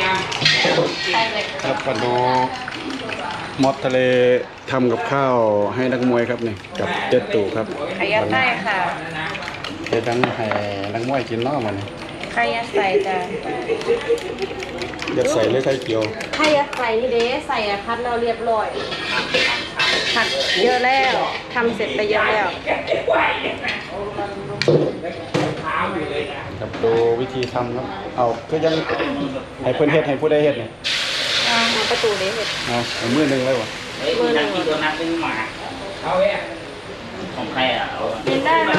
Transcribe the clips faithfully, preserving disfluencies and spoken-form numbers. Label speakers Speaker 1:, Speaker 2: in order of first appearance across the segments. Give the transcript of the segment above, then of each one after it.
Speaker 1: ครับปนูมอสทะเลทำกับข้าวให้นักมวยครับนี่กับเจ็ดตู่ครับ
Speaker 2: ไข่ยัดไส้ค่ะ
Speaker 1: เจ็ดทั้งให้นักมวยกินนอกมัน
Speaker 2: ไข่ยัดไส้จ้ะ
Speaker 1: ยัดใส่เลยไข่เกียว
Speaker 2: ไข่ยัดไส้นี่เด้ใส่พัดเราเรียบร้อยผัดเยอะแล้วทำเสร็จไปเยอะแล้ว
Speaker 1: ครับดูวิธีทำครับเอาก็ยังให้เพื่อนเฮ็ดให้ผู้ใดเฮ็ดเนี่ย
Speaker 2: อ่าประตูเด้เห็ด
Speaker 1: เอาเอามือหนึ่งเลยวะ
Speaker 2: มือหนึ่ง
Speaker 3: กี่ตัวนักเป็นหมาเอาเว้ยของใครอ่ะเอา
Speaker 2: กินได้ไหม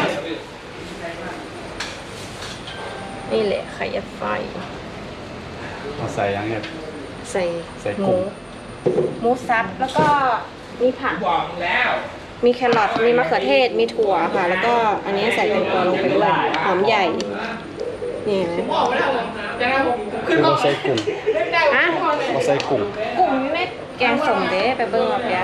Speaker 2: นี่แหละไข่ยัดไส้
Speaker 1: เอาใส่ยังเฮ็ด
Speaker 2: ใส่
Speaker 1: ใส่
Speaker 2: ห
Speaker 1: กุ้
Speaker 2: มู
Speaker 1: ง
Speaker 2: หมูสับแล้วก็มีผัก
Speaker 3: บอกแล้ว
Speaker 2: มีแครอทมีมะเขือเทศมีถั่วค่ะ แล้วก็อันนี้ใส่แตงกวาลงไปด้วยหอมใหญ่นี่เห็นไหม
Speaker 1: คือเราใส่กุ้ง
Speaker 2: อ่ะ
Speaker 1: เราใส่กุ้ง
Speaker 2: กุ้งนี่ไม่แกงสมเด้ไปเบิ้งเอาเปีย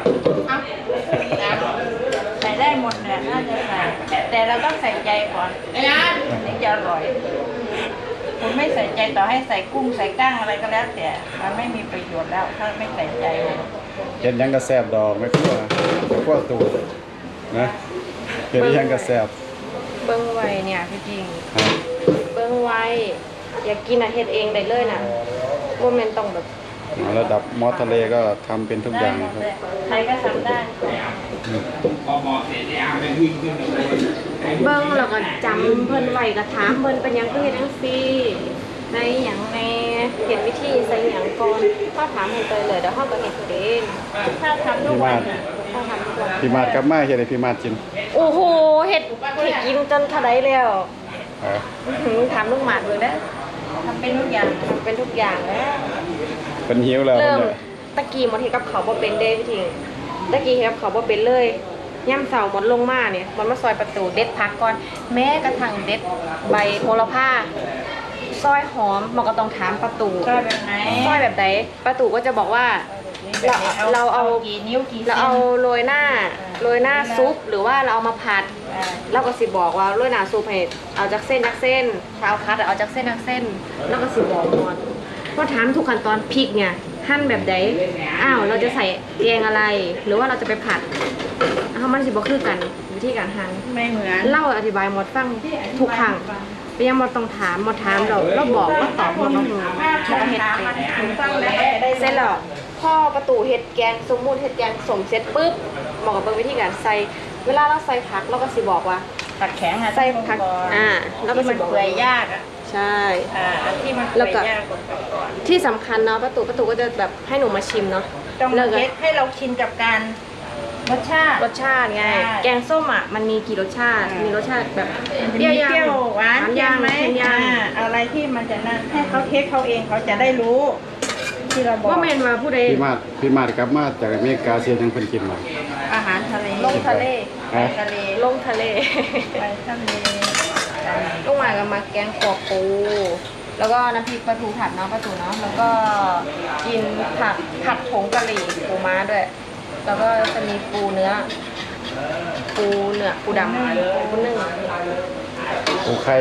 Speaker 2: ใส่ได้หมดเนี่ยน่าจะใส่แต่เราต้องใส่ใจก่อนนี่จะอร่อยคุณไม่ใส่ใจต่อให้ใส่กุ้งใส่ก้างอะไรก็แล้วแต่มันไม่มีประโยชน์แล้วถ้าไม่ใส่ใจ
Speaker 1: เฮ็ดยังกระแซบดอกไม่กลัวไม่กลัวตูนะเฮ็ดยังกระแซบ
Speaker 2: เบิ้งไว้เนี่ยพี่จริง
Speaker 1: ครับ
Speaker 2: เบิ้งไว้อยากกินอะเฮ็ดเองได้เลยนะว่ามันต้องแบบ
Speaker 1: เอาระดับมอสทะเลก็ทำเป็นทุกอย่างครับ
Speaker 2: ใครก็ทำได้
Speaker 3: พอหมอเสร็จแล้วไปวิ่งขึ้นเลย
Speaker 2: เบิ้งแล้วก็จำเพิ่นไว้ก็ถามเพิ่นเป็นหยังคือเฮ็ดจังซี่ในหยังในเห็นวิธีใส่หยังก่อนถ้าถามเพิ่นไปเลยเดี๋ยวเฮาก็เฮ็ดเองถ้าทำทุกวันถ้าทำทุกวัน
Speaker 1: พี่มาดกลับมาเฮ็ดให้พี่มาดกิน
Speaker 2: โอ้โหเฮ็ดเฮ็ดกินจนเท่าใดแล้ว
Speaker 1: เออ
Speaker 2: อื้อหือถามลูกหมาดเบิ่งเด้อทำเป็นทุกอย่างทำเป็นทุกอย่างแล้ว
Speaker 1: เป็นหิวแล้ว
Speaker 2: เริ่ม
Speaker 1: เนี่ย
Speaker 2: ตะกี้หมดเฮ็ดกับเขาวบ่เป็นเด้พี่ทิงตะกี้เฮ็ดกับเขาวบ่เป็นเลยย่ำเสาหมดลงมาเนี่ยมันมาซอยประตูเด็ดผักก่อน แม้กระทั่งเด็ดใบโหระพาซอยหอมมันก็ต้องถามประตู
Speaker 4: ซอยแบบไหน
Speaker 2: ซอยแบบไหนประตูก็จะบอกว่า เราเราเอา
Speaker 4: กี่นิ้วกี่
Speaker 2: เราเอาโรยหน้าโรยหน้าซุปหรือว่าเราเอามาผัดเราก็สิบอกว่าโรยหน้าซุปให้เอาจากเส้นจากเส้นถ้าเอาคัดเอาจากเส้นจากเส้นแล้วก็สิบอกหมดก็ถามทุกขั้นตอนพริกเนี่ยหั่นแบบใดอ้าวเราจะใส่แกงอะไร หรือว่าเราจะไปผัดอ้าวมันสิบอกคือกันวิธีการหั่น
Speaker 4: ไม่เหมือน
Speaker 2: เล่าอธิบายหมดฟังทุกครั้งไปยังหมดต้องถามหมดถามเราเราบอกว่าตอบหมดเราหูบอกเห็ดเป็นเสร็จแล้วพ่อประตูเห็ดแกงสมมุติเห็ดแกงสมเสร็จปุ๊บบอกกับเบิ่งวิธีการใส่เวลาเราใส่ผักเราก็สิบอกว่า
Speaker 4: ตัดแข็งอ่ะ
Speaker 2: ใส่ผักอ่าแล้วก็
Speaker 4: ที่
Speaker 2: สิ
Speaker 4: มัน
Speaker 2: บอก
Speaker 4: เปื่อยยากอ่ะ
Speaker 2: ใช่
Speaker 4: อ่าอันที่มัน
Speaker 2: แล้
Speaker 4: เปื่
Speaker 2: ว
Speaker 4: อย
Speaker 2: ก็
Speaker 4: ยากกว่าก่อน
Speaker 2: ที่สำคัญเนาะประตูประตูก็จะแบบให้หนูมาชิมเนาะ
Speaker 4: ต้อง
Speaker 2: แล้วก็
Speaker 4: เทสให้เราชินกับการรสชาติ
Speaker 2: รสชาติไง
Speaker 4: ใช่
Speaker 2: แกงส้มอ่ะมันมีกี่รสชาติ
Speaker 4: อ่ามี
Speaker 2: มีรสชาติแบบ
Speaker 4: เปรี้ยวเปรี้ยวหวาน
Speaker 2: หวาน
Speaker 4: เค็
Speaker 2: ย่าม ง
Speaker 4: ไหม
Speaker 2: เค็มย่าง
Speaker 4: อ่าอะไรที่มันจะนั่นให้เขาเทสเขาเองเขาจะได้รู้ ที่เราบอก
Speaker 2: ว่าเมนมาผู้ใด
Speaker 1: พี่มาดพี่มาดกลับมาจากอเมริกาเสียยังเพิ่นกินมา
Speaker 4: อาหารทะเล
Speaker 2: ลงทะเล
Speaker 4: ไปทะเล
Speaker 2: ลงทะเล
Speaker 4: ไปทะเล
Speaker 2: ลงมากับมาแกงขวบปูแล้วก็น้ำพริกปลาทูผัดเนาะปลาทูเนาะแล้วก็กินผักผัดผงกะหรี่ปูม้าด้วย แล้วก็จะมีปูเนื้อ ปูเนื้อปูดำปูนึ่ง
Speaker 1: ปูไข่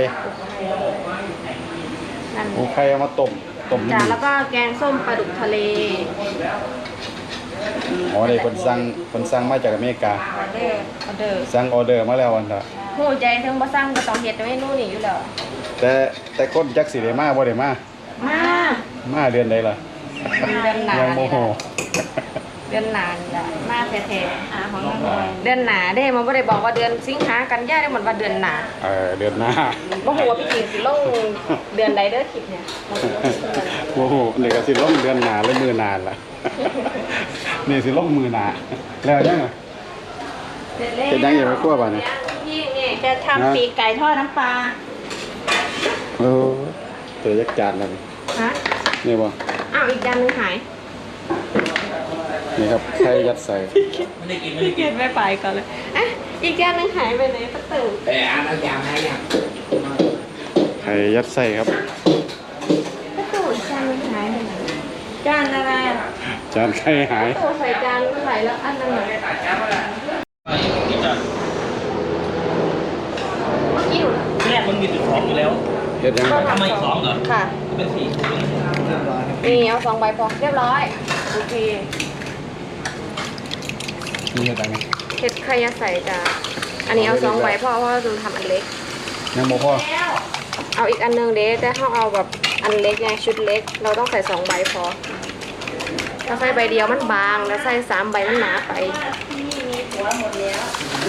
Speaker 2: นั่น
Speaker 1: ปูไข่เอามาต้มต้ม
Speaker 2: จ้ะแล้วก็แกงส้มปลาดุกทะเล
Speaker 1: อ๋อนี่เพิ่นสั่งเพิ่นสั่งมาจากอเมริกา
Speaker 2: ออเดอร์ออเดอร์
Speaker 1: สั่งออเดอร์มาแล้วอันน่ะ
Speaker 2: หูใจถึงบ่สั่งก็ต้องเฮ็ดเมนูนี้อยู่แล้ว
Speaker 1: แต่แต่คนจักสิได้มาบ่ได้มา
Speaker 2: มา
Speaker 1: มาเดือนใดล่ะ
Speaker 2: เดือนหนา
Speaker 1: ยังโมโห
Speaker 2: เดือนหนานี่ล่ะมาแท้ๆอ่าของน้องเดือนหนาเด้มันบ่ได้บอกว่าเดือนสิงหากันยาได้เหมือนว่าเดือนหนา
Speaker 1: เออเดือนหน้า
Speaker 2: บ่ฮู้ว่าพี่จริงสิลงเดือนใดเด้อคลิปเนี่ยบ่รู้ว่าสิลงเดือนใด
Speaker 1: โอ้โหนี่ก็สิลงเดือนหน้าแล้วมือนานล่ะ นี่สิลงมือหน้าแล้วยังไง
Speaker 2: เสร็จแล้ว
Speaker 1: เฮ็ดยังอย่าไปคั่วบ่เนี่ย
Speaker 2: พี่นี่
Speaker 4: จะทำปีกไก่ทอดน้ำปลา
Speaker 1: โอ้ตัวยักษ์จานแล้วนี่
Speaker 2: ฮะ
Speaker 1: นี่บ่
Speaker 2: อ้าวอีกจานหนึงหาย
Speaker 1: นี่ครับไข่ยัดใส่
Speaker 3: ไม่ได้กินไม่ได้
Speaker 2: พี่
Speaker 3: กิ
Speaker 2: เกีย
Speaker 3: น
Speaker 2: รไปไปก่อนเลยอ่ะอีกจานหนึงหายไปไหนประตู
Speaker 3: แต่อันนั้นอย่างไรอย่าง
Speaker 1: ไข่ยัดใส่ครับ
Speaker 2: ประตูอีกจานหนึงหายไปไหน
Speaker 4: จานอะไร
Speaker 1: จานไข่หาย
Speaker 2: ประตูใส่จานใส่แล้วอันนึงอะเมื่อกี้หนู
Speaker 3: แรกมันมีจุดสองอยู่แล้ว
Speaker 1: เฮ็ดยังไง
Speaker 3: ทำไมสองเหรอ
Speaker 2: ค่ะ
Speaker 3: เป็นสี่ถุง
Speaker 2: นี่เอาสองใบพอเรียบร้อยโอเค
Speaker 1: นี่เฮ็ดยังไง
Speaker 2: เห็ดไข่ยาใส่จ้ะอันนี้เอาสองใบเพราะว่าเราทำอันเล็ก
Speaker 1: ยังบ่พอ
Speaker 2: เอาอีกอันนึงเด้แต่ถ้าเอาแบบอันเล็กไงชุดเล็ก เราต้องใส่สองใบพอถ้าใส่ใบเดียวมันบางแล้วใส่สามใบมันหนาไป
Speaker 4: ที่นี่มีหัวหมดแล้ว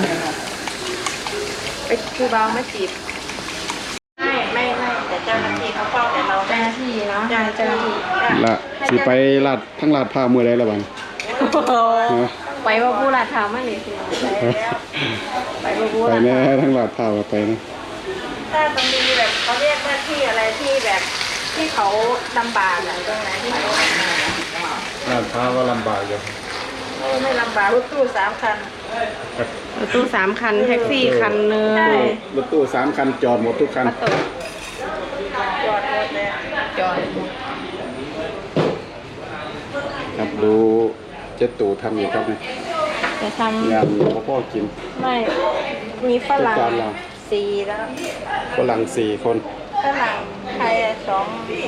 Speaker 2: ไปคือเบามาจีบ
Speaker 4: ไม่ไม่ไม่แต่เจ้าหน้าที่เขาเฝ้าแต่เรา
Speaker 2: เจ้าหน้าที่เนาะ
Speaker 4: จ้างเจ้าหน้าที่จ้าง
Speaker 1: ละสิไปลาดทั้งลาดผ้ามื้อใดละบัดฮะ
Speaker 2: ไปว่าผู้ลาดเท้ามาเลยสิ
Speaker 4: ไปแล้ว
Speaker 2: ไปว่าผู้
Speaker 1: ไป
Speaker 2: ลาด
Speaker 1: แน่
Speaker 2: เท้า
Speaker 1: ทั้งลาดผ้าก็ไปนะ
Speaker 4: ถ้ามันมีแบบเขาเรียกว่าที่อะไรที่แบบที่เขาลำบากอะตรงไหนที่เขา
Speaker 1: ลาดผ้าก็ลำบากอยู่
Speaker 4: โอ้ไม่ลำบากรถตู้สามคัน
Speaker 2: รถตู้สามคันแท็กซี่คันหนึง
Speaker 4: ใช่
Speaker 1: รถตู้สามคันจอดหมดทุกคัน
Speaker 2: ประตู
Speaker 4: จอดรถเลย
Speaker 2: จอด
Speaker 1: ครับดูเจ็ดตู่ทำอยู่ครับนี่
Speaker 2: จะท
Speaker 1: งานพ่อพ่อกิน
Speaker 2: ำไม่มีฝรั่ง
Speaker 1: จัดการเรา
Speaker 4: สี่แล้ว
Speaker 1: ฝรั่งสี่คน
Speaker 4: ฝรั่งไทยสอง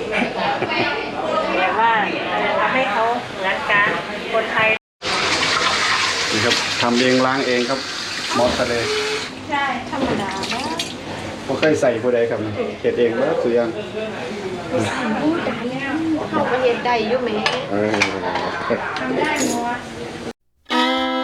Speaker 4: แบบว่าทำให้เขาเหมือนกันคนไทย
Speaker 1: นี่ครับทำเองล้างเองครับมอสทะเล
Speaker 4: ใช่ธรรมดานะ
Speaker 1: บ่เคยใส่ผู้ใดครับนี่เฮ็ดเองเบิดทุกอย่าง
Speaker 2: เขาก็เฮ็ดได้อยู่แหม
Speaker 1: เออ
Speaker 4: ทำได้หมด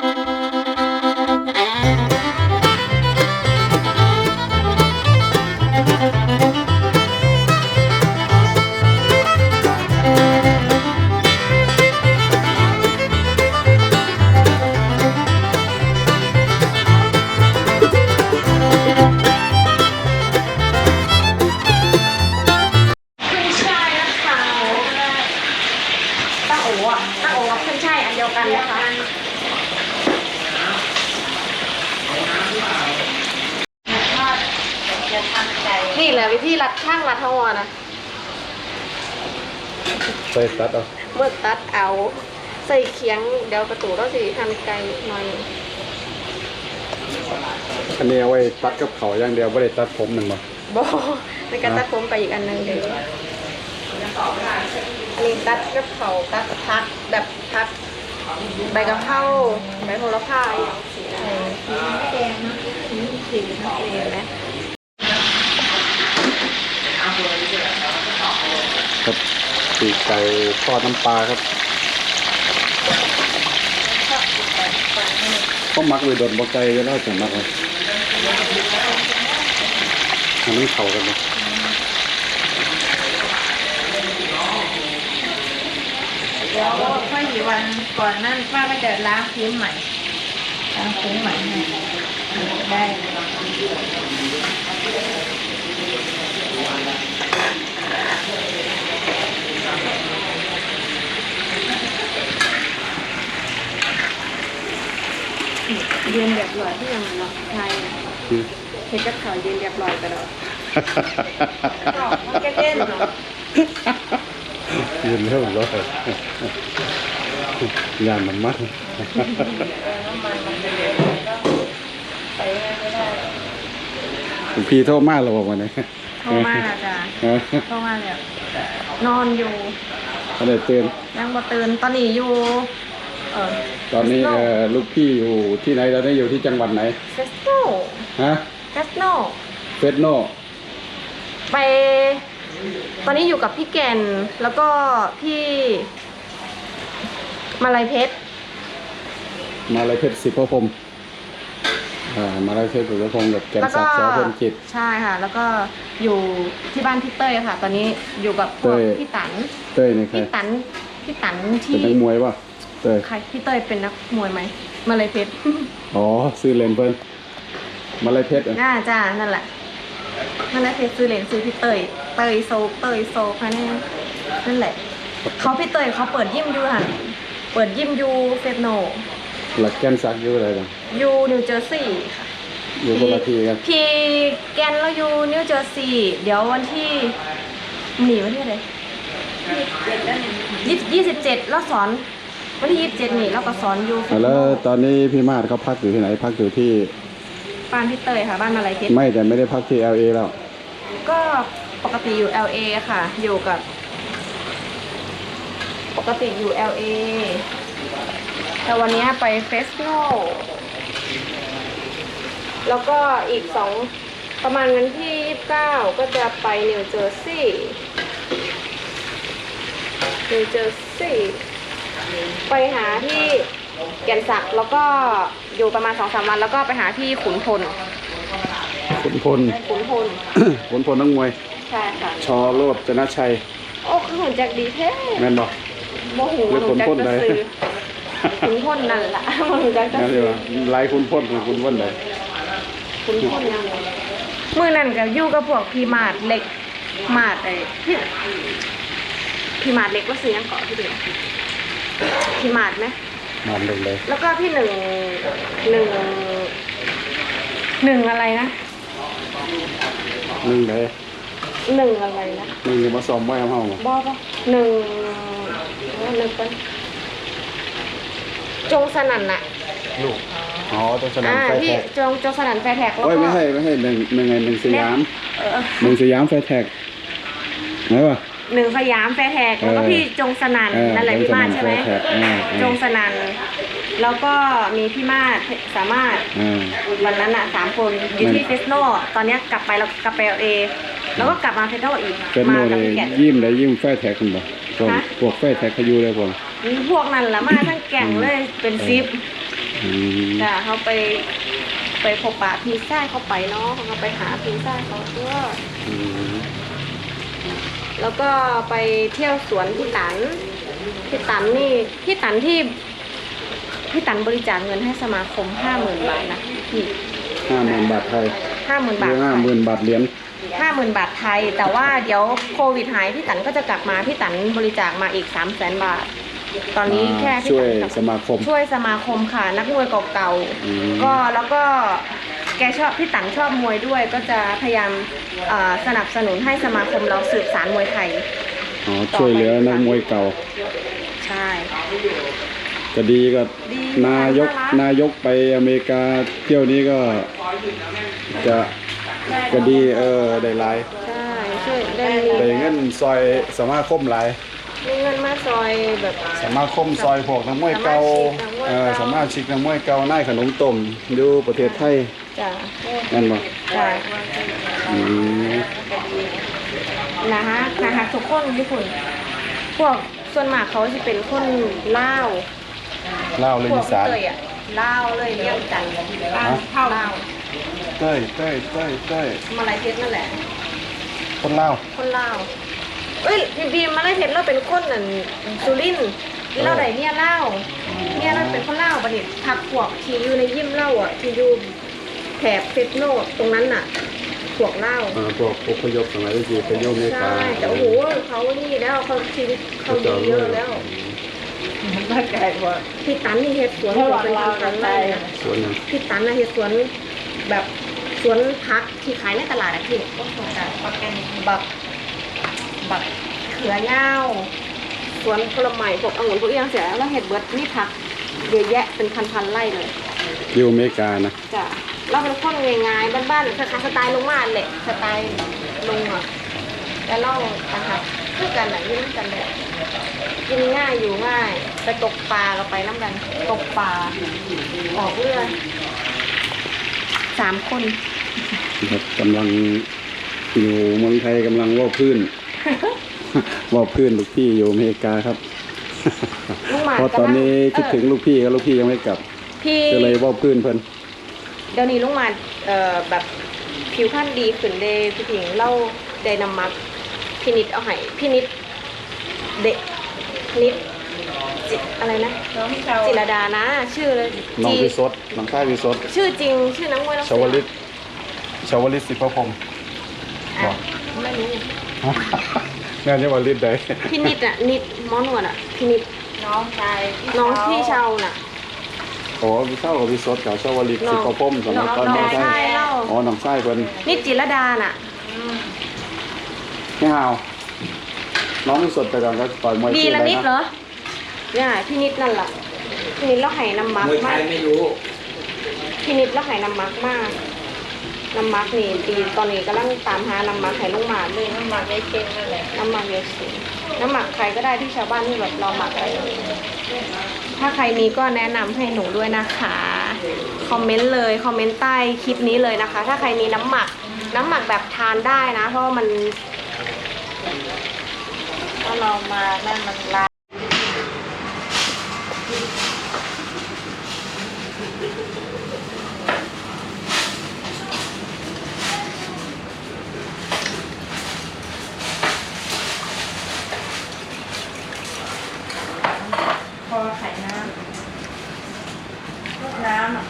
Speaker 2: ขึ้นช่ายนะคะตั้งโอ๋อะตั้งโอ๋กับขึ้นช่ายอันเดียวกันนะคะ
Speaker 4: จะทำใจ
Speaker 2: นี่แหละวิธีรัดข้างรัดทวารนะ
Speaker 1: ใส่ตัดเอา
Speaker 2: เมื่อตัดเอาใส่เคียงเดี๋ยวกระตูต้องสีทำไกลหน่อย
Speaker 1: อันนี้เอาไว้ตัดกับเขาวอย่างเดียวบ่ได้ตัดผมนั่นบ่
Speaker 2: บอในการตัดผมไปอีกอันหนึงเดี๋ยวอันนี้ตัดกับเขาตัดพักแบบพักใบกะเพราใบโหระพาอย่างสีอะไรสีแดงนะสีสีเห็นไหม
Speaker 1: ครับปีกไก่ทอดน้ำปลาครับก็มักไว้โดนบ่ไก่อยู่แล้วจังมักเลยอันนี้เข้ากันบ่
Speaker 4: เดี๋ยวค่อยกี่วันก่อนนั่นป้าก็จะล้างพื้นใหม่ล้างพื้นใหม่ให้ได้
Speaker 2: เรียนแบบลอยที่ยังเนาะใช่เห็นกับเขาเรียนแบบลอยไปแล้ว
Speaker 4: มันก็เล่นเนาะ
Speaker 1: ยืนเท่าร้อยยานมันมัด
Speaker 4: น้ำมันมันจะเหลวก็ไปไม่ได้
Speaker 1: พี่โทษมากเราบอกวันนี้
Speaker 2: โทรมาแล้วจ้ะโทรมาแล้วนอนอยู่
Speaker 1: ก็เลยเตือน
Speaker 2: ยังบ่ตื่นตอนนี้อยู่เออ
Speaker 1: ตอนนี้เอ่อลูกพี่อยู่ที่ไหนตอนนี้อยู่ที่จังหวัดไหน
Speaker 2: เฟสโน
Speaker 1: ฮะ
Speaker 2: เฟสโน
Speaker 1: เฟสโน
Speaker 2: ไป ตอนนี้อยู่กับพี่แก่นแล้วก็พี่มาลัยเพชร
Speaker 1: มาลายเพชรสิบพระพรหมอ่ามาลายเพชรสิบพระพรหมกับแกน
Speaker 2: แล้ว
Speaker 1: ศั
Speaker 2: ก็
Speaker 1: กดิ์สอพรหมจิต
Speaker 2: ใช่ค่ะ แล้วก็อยู่ที่บ้านพี่เต้ยค่ะ ตอนนี้อยู่กับพวก
Speaker 1: เต้ย
Speaker 2: พี่ตัน
Speaker 1: เต้ยนี่ใคร
Speaker 2: พี่ตันพี่ตัน
Speaker 1: เป็น
Speaker 2: ที่
Speaker 1: นักมวยป่ะเต้ย
Speaker 2: ใครพี่เต้ยเป็นนักมวยไหมมาลัยเพชร
Speaker 1: อ๋อซื้อเลนเพิ่นมาลายเพชรอ่ะ
Speaker 2: น่าจ้านั่นแหละนั่นแหละเพจซื้อเหรียญซื้อพี่เตยเตยโซเตยโซค่ะแน่นั่นแหละเขาพี่เตยเขาเปิดยิมยูหันเปิดยิมยูเฟสโน
Speaker 1: หลักแกนศักดิ์อยู่อะไรต่าง
Speaker 2: ยูนิวเจอร์ซีย์ค่ะ
Speaker 1: อยู่คนละทีกัน
Speaker 2: พี่แกนเราอยู่นิวเจอร์ซีย์เดี๋ยววันที่หนีวันที่อะไรยี่ยี่สิบเจ็ดเราสอนวันที่ยี่สิบเจ็ดนี่เราก็สอนอยู่
Speaker 1: อ่ะแล้วตอนนี้พี่มาดเขาพักอยู่ที่ไหนพักอยู่ที่
Speaker 2: บ้านพี่เตยค่ะบ้านมาลัยเพชร
Speaker 1: ไม่แต่ไม่ได้พักที่ แอล เอ แล้ว
Speaker 2: ก็ปกติอยู่ แอล เอ ค่ะ อยู่กับ ปกติอยู่ แอล เอ แต่วันนี้ไปเฟสติวัลแล้วก็อีกสองประมาณวันที่ยี่สิบเก้าก็จะไปนิวเจอร์ซีย์นิวเจอร์ซีย์ไปหาที่แก่นสักแล้วก็อยู่ประมาณสองสามวันแล้วก็ไปหาที่ขุนพล
Speaker 1: ขุนพล
Speaker 2: ขุนพล
Speaker 1: ขุนพลนักมวย
Speaker 2: ใช่ค่ะ
Speaker 1: ชอโรจนชัย
Speaker 2: โอ้คือหุ่นแจ็คดีแท้
Speaker 1: แม่นบอก
Speaker 2: โมโห
Speaker 1: หรือ
Speaker 2: หุ่นแจ็ค
Speaker 1: ขุนพล
Speaker 2: จะ
Speaker 1: ใด
Speaker 2: ซื้อขุนพลนั่นละโมโหแจ็คจะ
Speaker 1: นั่นเล
Speaker 2: ซื้
Speaker 1: ย
Speaker 2: อ
Speaker 1: ว่าลายขุนพลคือขุนพลใด
Speaker 2: ขุนพลยังมือนั่นกับยู่กับพวกพีมาดเล็กมาดไอ้พี่พีมาดเล็กก็ซื้อยังเกาะพี่เดียวพีมาดไหม
Speaker 1: มาเลยเลย
Speaker 2: แล้วก็พี่หนึ่งหนึ่งหนึ่งอะไรนะ
Speaker 1: หนึ่งเลย
Speaker 2: หนึ่งอะไรนะ
Speaker 1: หนึ่งจะมาซ้อมไว้เอาเฮาบ่
Speaker 2: บอปะหนึ่งหนึ่งเป็นจงสนั่นน่ะ
Speaker 1: ลูกอ๋อต้องแสดง
Speaker 2: อ่า
Speaker 1: ไฟ
Speaker 2: พี่
Speaker 1: แท็ก
Speaker 2: จงจงสนั่นแฟร์แท็กแล้ว
Speaker 1: โอ้ย
Speaker 2: ก็
Speaker 1: ไม่ให้ไม่ให้หนึ่งหนึ่งไงหนึ่งสยาม
Speaker 2: เออ
Speaker 1: หนึ่งสยามไฟแท็กไหนวะ
Speaker 2: หนึ่งสยามแฟร์แท็กแล้วก็
Speaker 1: เออ
Speaker 2: พี่จงสนั่น
Speaker 1: เออ
Speaker 2: นั่นแหละพี่มาศใช่ไหม
Speaker 1: จงสนั่นแฟร์แท็กเออเออ
Speaker 2: จงสนั่นแล้วก็มีพี่มาศสามารถ
Speaker 1: อ่า
Speaker 2: วันนั้นอ่ะสามคนอยู่ที่เฟสโนตอนเนี้ยกลับไปแล้วกลับไปเอแล้วก็กลับมาเฟสโนอีก
Speaker 1: เป็น
Speaker 2: มา
Speaker 1: โน
Speaker 2: กั
Speaker 1: เล
Speaker 2: บ
Speaker 1: ย
Speaker 2: พี่แกะ
Speaker 1: ยิ้มได้ยิ้มไฟแท็กคุณบ่พวก
Speaker 2: ฮะ
Speaker 1: พวกไฟแท็กเขาอยู่เลยผม
Speaker 2: พวกนั้นละมาทั้งแก่งเลยเป็นซิป
Speaker 1: อืม
Speaker 2: จ้ะเขาไปไปพบปะพี่ชายเขาไปเนาะเขาไปหาพี่ชายเขาด้วย
Speaker 1: อืม
Speaker 2: แล้วก็ไปเที่ยวสวนพี่ตันพี่ตันนี่พี่ตันที่พี่ตันบริจาคเงินให้สมาคมห้าหมื่นบาทนะพี่
Speaker 1: ห้าหมื่นบาทไทย
Speaker 2: ห้าหมื่นบาท
Speaker 1: หรือห้าหมื่นบาทเหรียญ
Speaker 2: ห้าหมื่นบาทไทย แต่ว่าเดี๋ยวโควิดหายพี่ตันก็จะกลับมาพี่ตันบริจาคมาอีกสามแสนบาท ตอนนี้แค่พี่
Speaker 1: ช่วย
Speaker 2: ตัน
Speaker 1: สมาคม
Speaker 2: ช่วยสมาคมค่ะนักมวยเก่า
Speaker 1: อืม
Speaker 2: ๆก็แล้วก็แกชอบพี่ตันชอบมวยด้วย ก็จะพยายามเอ่อสนับสนุนให้สมาคมเราสืบสานมวยไทย
Speaker 1: อ๋อช่วยเหลือนักมวยเก่า
Speaker 2: ใช่
Speaker 1: ก็ดีก็
Speaker 2: ดี
Speaker 1: นายก
Speaker 2: น่ารัก
Speaker 1: นายกไปอเมริกาเที่ยวนี้ก็จะก็ดีเออได้หลาย
Speaker 2: ใช่ช่วยได้
Speaker 1: ได้เงินซอยสมาคมหลาย
Speaker 2: มีเงินมาซอยแบบ
Speaker 1: สมาคมซอยพวกนักมวยเก่า
Speaker 2: สมาชิกนักมวยเก่า
Speaker 1: เออสมาชิกนักมวยเก่านายขนมต้มอยู่ประเทศไทย
Speaker 2: จ้ะ
Speaker 1: นั่นบ่
Speaker 2: ใช่
Speaker 1: อืม
Speaker 2: นะฮะนะคะทุกคนญี่ปุ่นพวกส่วนมากเขาจะเป็นคนลาว
Speaker 1: เล่าวเลย
Speaker 2: พว
Speaker 1: อี
Speaker 2: ก
Speaker 1: สาน
Speaker 2: เตยอ่ะลาวเลยเลี้ยงจันทร์บ้านเท่าลาว
Speaker 1: เต้ยเต้ยเต้ยเต้ย
Speaker 2: มาลายเพชรนั่นแหละ
Speaker 1: คนลาว
Speaker 2: คนลาวเอ้ยพี่บีมมาลายเพชรเราเป็นคนนั่นสุรินทร์ที่เราได้เนี่ยเล่าวเนี่ยเราเป็นคนลาวบัดนี้พักพวกที่อยู่ในยิมเล่าอ่ะที่อยู่แถบเฟสโนตรงนั้นน่ะพวกเล่าว
Speaker 1: อ่าพวกอพยพสมัยที่ไปโยมอเมริกา
Speaker 2: ใช่แต่โอ้โหเขานี่แล้วเขาชีวิตเขาดีเยอะแล้ว
Speaker 4: ร่างกายว่า
Speaker 2: พี่ตันนี่เฮ็ดสวนอยู่เป็นพันๆไร่นะ
Speaker 1: สวนนั้น
Speaker 2: พี่ตันนะเฮ็ดสวนแบบสวนพักที่ขายในตลาดอะพี่
Speaker 4: ก็สงสารประกัน
Speaker 2: บักบักเขือยาวสวนผลไม้พวกองุ่นพวกอหย่างเสียแล้วเฮ็ดเบิดนี่พักเยอะแยะเป็นพันๆไร่เลย
Speaker 1: อยู่อเมริกานะ
Speaker 2: จ้ะเราเป็นคนง่ายๆบ้านๆคล้ายๆสไตล์ลงมาแหละสไตล์ลงอ่ะแล้วเรานะคะคือกันไหนที่นั่นกันแหละกินง่ายอยู่ง่ายไปตกปลาก็ไปน้ำกันตกปลาออกเรือสามคน
Speaker 1: ครับกำลังอยู่เมืองไทยกำลังว่าพื้น ว่าพื้นลูกพี่อยู่อเมริกาครับ
Speaker 2: ลูกหมา
Speaker 1: เพราะตอนนี้คิดถึงลูกพี่กับลูกพี่ยังไม่กลับ
Speaker 2: พี่
Speaker 1: ก็เลยว่าพื้นเพิ่น
Speaker 2: เดี๋ยวนี้ลูกหมาเอ่อแบบผิวพรรณดีขึ้นเดพี่ผิงเล่าไดนามักพี่นิดเอาให้พี่นิดเด็กนิดจิอะไรนะ
Speaker 4: น้องที่เรา
Speaker 2: จิรดานะ ชื่อเลย
Speaker 1: น้อง
Speaker 2: จี
Speaker 1: วิสดน้องชายวิสด
Speaker 2: ชื่อจริง ชื่อนักมวยนัก
Speaker 1: ชาวลิตชาวลิตสิพระพรหม
Speaker 2: อ่ะไม่รู้
Speaker 1: งานนี้วันลิตได้
Speaker 2: พี่นิดอ่ะนิดหมอนวดอ่ะพี่นิด
Speaker 4: น้องชาย
Speaker 2: น้องพี่เชาน่ะ
Speaker 1: โอ้วิเศร้ากับวิสดกับชาวลิต
Speaker 2: น้
Speaker 1: สิ
Speaker 2: อง
Speaker 1: พระพรหมสมัยตอน
Speaker 2: น้
Speaker 1: น้
Speaker 2: อ
Speaker 1: อง ง
Speaker 2: ชา
Speaker 1: ชาย ย
Speaker 2: เล่า
Speaker 1: อ๋อน้องชายเพิ่น
Speaker 2: นิดจิรดาน่ะ
Speaker 1: ไม่ฮาวน้องวิสดไปก่อนก็ต่อยมวย
Speaker 2: ดี
Speaker 1: ชื่อ
Speaker 2: ละ
Speaker 1: อะไร
Speaker 2: นิดเหร
Speaker 1: นะ
Speaker 2: อเนี่ยพี่นิดนั่นแหละพี่นิดแล้วไห้น้ำมัก
Speaker 3: มวยไท
Speaker 2: มาก
Speaker 3: ยไม่รู้
Speaker 2: พี่นิดแล้วไห้น้ำมักมากน้ำมักนี่ปีตอนนี้กำลังตามหาน้ำมักให้ลุงหมาเลย
Speaker 4: น้ำหมักได้เค็มนั่นแหละ
Speaker 2: น้ำหมักเยอะสิน้ำหมักใครก็ได้ที่ชาวบ้านที่แบบเราหมักอะไรถ้าใครมีก็แนะนำให้หนูด้วยนะคะคอมเมนต์เลยคอมเมนต์ใต้คลิปนี้เลยนะคะ ถ้าใครมีน้ำหมักน้ำหมักแบบทานได้นะ เพราะว่ามัน
Speaker 4: ถ้าเรามานั่นมันลา พอไข่น้ำลูกน้ำอ่ะ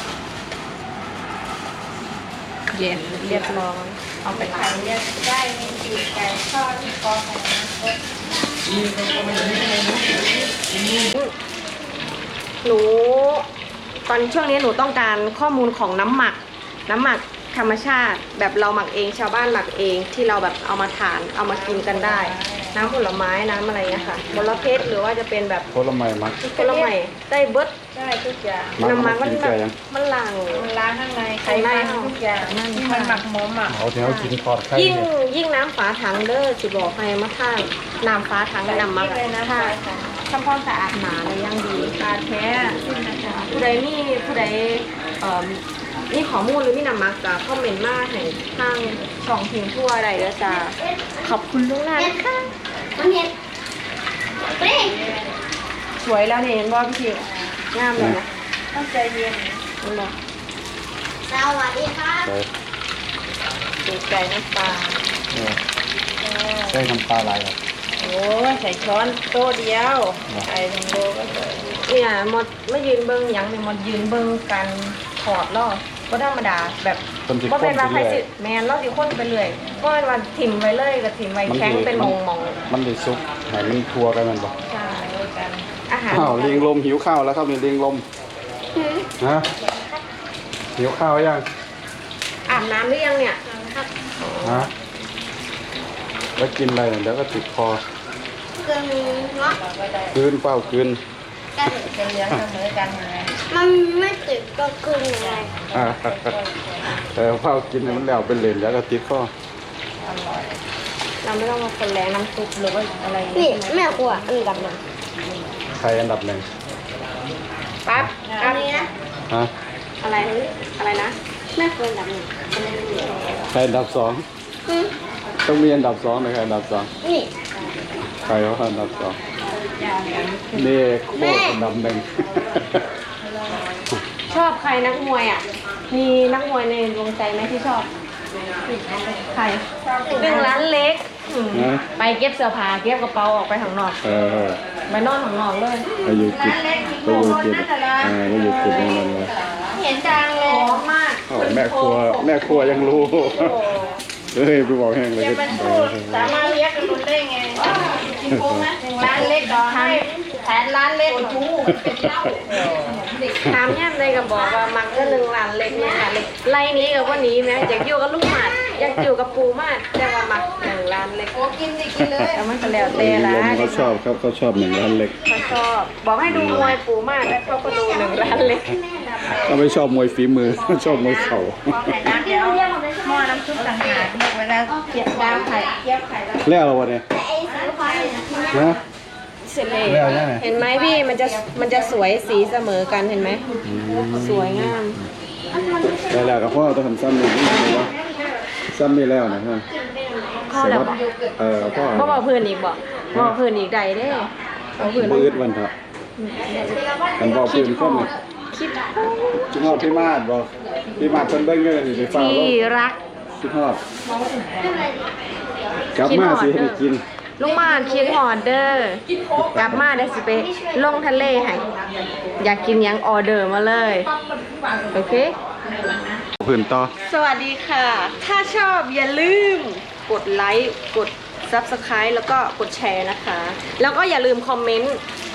Speaker 2: เย็นเรียบร้อยเอาไป
Speaker 4: ไข่
Speaker 2: ล้าง
Speaker 4: เนี่ยได้มีปีกไก่ทอดที่พอไข่น้ำ
Speaker 2: หนูตอนช่วงนี้หนูต้องการข้อมูลของน้ำหมัก น้ำหมักธรรมชาติ แบบเราหมักเองชาวบ้านหมักเองที่เราแบบเอามาทานเอามากินกันได้ น้ำผลไม้น้ำอะไรเงี้ยค่ะมลเพชรหรือว่าจะเป็นแบบ
Speaker 1: ผลไม้มัก
Speaker 2: ผลไม้ได้เบิด
Speaker 4: ได้ทุกอย่าง
Speaker 1: มัก
Speaker 2: น้ำมั
Speaker 1: มาก
Speaker 2: มัน
Speaker 1: กิน
Speaker 2: แบ
Speaker 1: แก่
Speaker 2: บ
Speaker 1: ยัง
Speaker 2: มันหลัง
Speaker 4: มันล้างข้างในไข่
Speaker 2: ข้างใน
Speaker 4: มันทุกอย่างที่มันหมักหมมอ่ะ
Speaker 1: เอาที่เขากินทอดไข่
Speaker 2: ยิ่ง
Speaker 1: เนี่ย
Speaker 2: ยิ่งน้ำฝาถังเด้อสิบอกให้มาท่านน้ำฝาถังน้ำมัก
Speaker 4: เลยนะ
Speaker 2: ถ้า
Speaker 4: คะ
Speaker 2: ทำความสะอาดหนาเลยยังดี
Speaker 4: ปลาแท้นะคะ
Speaker 2: ผู้ใดมีผู้ใดเอ่อมีข้อมูลหรือมีนำมักจะคอมเมนต์มาให้ทางช่องพิมพ์ทั่วใดแล้วจะขอบคุณล่วงหน้านะคะ
Speaker 5: มันเห็นเฮ้ย
Speaker 2: สวยแล้วเนี่ยเห็นบ่พี่ทิวงามเลยนะ
Speaker 4: ต้องใจเย็น
Speaker 2: เห็นบ่
Speaker 5: สวัสดีครับ
Speaker 1: ใส่
Speaker 2: ปีกไก่น้ำปลา
Speaker 1: เออใส่น้ำปลาลายครับ
Speaker 4: โอ้ยใส่ช้อนโต๊ะเดียวไข่หนึ่งโลก็ใส่
Speaker 2: เนี่ยหมดไม่ยืนเบิ้งหยังเนี่ยหมดยืนเบิ้งการถอดล่อก็ธรรมดาแบบ
Speaker 1: คนสิ
Speaker 2: บ่
Speaker 1: ค
Speaker 2: เป็น น
Speaker 1: ไป
Speaker 2: ว่าใคร
Speaker 1: เรื่
Speaker 2: สิ
Speaker 1: อย
Speaker 2: แมนเราสิคนไปเรื่อยก็เป็นว่าถิ่มไว้เลยกับถิ่มไว้แข็งเป็นมองมอง
Speaker 1: มันได้ซุปให้มันทัวกันมันบ่
Speaker 2: ๆใช่
Speaker 4: ด้วยกัน
Speaker 2: อาหาร
Speaker 1: ข้าวลิงลมหิวข้าวแล้วครับนี่ลิงลมฮะหิวข้าวยัง
Speaker 2: อาบน้ำหรือยังเนี่ย
Speaker 1: ฮะแล้วกินอะไรเนี่ยเดี๋ยวก็ติดคอ
Speaker 5: เกินเนาะ
Speaker 4: เราก็ได้
Speaker 1: คืนเฝ้าคืน
Speaker 5: กัน
Speaker 4: เป็นเลี้ยงเสมอกันนะ
Speaker 5: มันไม่ติดก็คืนยังไง
Speaker 1: อ่าแต่เฝ้ากินเนี่ยมันแล้วเป็นเหรนแล้วก็ติดคอ
Speaker 4: อร่อย
Speaker 2: เราไม่ต้องมาคนแรงน้ำซุปหรือว่าอะไร
Speaker 5: นี่แม่กลัวอันดับหนึ่ง
Speaker 1: ใครอันดับหนึ่ง
Speaker 2: ปั๊บ
Speaker 5: อันนี้นะ
Speaker 1: ฮะ
Speaker 2: อะไรอะไรนะ
Speaker 5: แม่กลัวอันดับหนึ่ง
Speaker 1: ใครอันดับสอง
Speaker 5: อืม
Speaker 1: ต้องมีอันดับสองนะใครอันดับสอง
Speaker 5: นี่
Speaker 1: ใครว่าอันดับสองนี่โคตรอันดับหนึ่ง
Speaker 2: ชอบใครนักมวยอ่ะ มีนักมวยในดวงใจไหมที่ชอบ ใครหนึ่งล้านเล็กอืม
Speaker 1: นะ
Speaker 2: ไปเก็บเสื้อผ้าเก็บกระเป๋าออกไปข้างนอก
Speaker 1: เออ
Speaker 2: ไปนอนข้างนอกเลย
Speaker 1: ไปอยู่กิจไปอยู่กิจอ่าไปอยู่กิจนั่นเลย
Speaker 5: เห็นจังเลย
Speaker 2: พร้อมมาก
Speaker 1: โอ้แม่ครัวแม่ครัวยังรู้เฮ้ยไปบอกแห้งเลย
Speaker 4: จะ
Speaker 1: ก็
Speaker 4: มันพูดสามารถเลี้ยงกันรุนได้ไงจริงๆนะหนึ่งล้านเล็กต่อให้แสนล้านเล็กทูเป็นเล่า
Speaker 2: ถามย่ำเลยก็บอกว่ามักก็หนึ่งล้านเล็กหนึ่งล้านเล็กไล่นี้กับว่านี้ไหมอยากอยู่กับลูกหมาดอยากอยู่กับปูมากแต่ว่ามักหนึ่งล้านเล็ก
Speaker 4: โอ้กินดิกินเลย
Speaker 2: แต่มันก็แล้ว
Speaker 1: เอ
Speaker 2: แต่
Speaker 1: อ
Speaker 2: ละ
Speaker 1: ลมเขาชอบครับเขาชอบหนึ่งล้านเล็ก
Speaker 2: เขาชอบบอกให้ดูมวยปูมากแล้วเขาก็ดูหนึ่งล้านเล็ก
Speaker 1: เขาไม่ชอบมวยฝีมือ ชอบมวยเข่า
Speaker 4: พอไข่น้ำเดี๋ยวหม้อน้ำซุปต่างหากเรียกเวลาเกี๊ยวดาวไข่เกี๊ยวไข่แล้ว
Speaker 1: แล้วเราวะเนี่ย
Speaker 5: ไอ้สีฟ้าเนี่ย
Speaker 1: นะ
Speaker 2: เสร็จเลย
Speaker 1: แล้วยังไง
Speaker 2: เห็นไหมพี่มันจะมันจะสวยสีเสมอกันเห็นไหมสวยงาม
Speaker 1: แล้วแล้วกับพ่อต้องทำซ้ำหนึ่งนี่ว่าซ้ำนี่แล้วนะฮะ
Speaker 2: พ่อแล้วบอก
Speaker 1: เออพ่อ
Speaker 2: พ่อบอกเพื่อนอีกบอกบอกเพื่อนอีกใดเด้บอกเพื่อน
Speaker 1: บืดวันเถอะมันบอกพื้นข้อม
Speaker 2: คิด
Speaker 1: ชิฮอดพี่มาดบอกพี่มาดเพิ่นเบิ่งเงินสิไปฟ้า
Speaker 2: ที่
Speaker 1: โลก
Speaker 2: รัก
Speaker 1: ชิฮอดกลับมาสิให้ได้กิน
Speaker 2: ลุงมานคิดฮอดเดอร์กลับมาเดี๋ยวสิไปลงทะเลให้อยากกินหยังออเดอร์มาเลยโอเค
Speaker 1: พื้นต่อ
Speaker 2: สวัสดีค่ะ ถ้าชอบอย่าลืมกดไลค์ กด ซับสไครบ์ แล้วก็กดแชร์นะคะ แล้วก็อย่าลืมคอมเมนต์